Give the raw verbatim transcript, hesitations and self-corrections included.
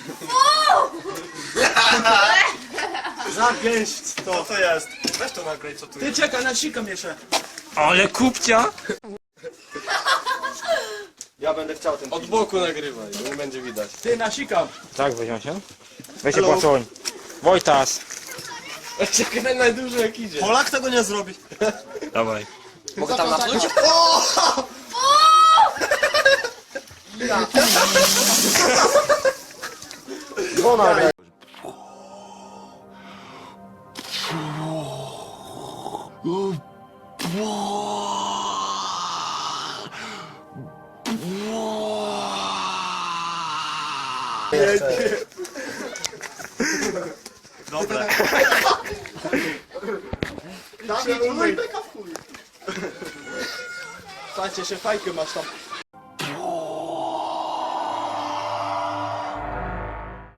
Zapięć to. Co to jest? Weź to nagraj, co tu Ty jest. czekaj, nasikam jeszcze. Ale kupcia! Ja będę chciał ten Od boku nagrywaj, bo nie będzie widać. Ty nasikam. Tak, weźmie się. Weź się płacoń. Wojtas. Czekaj najdłużej jak idzie. Polak tego nie zrobi. Dawaj. Mogę tam napluć? Dzwona. Dobre. Słuchajcie, jeszcze fajkę masz tam.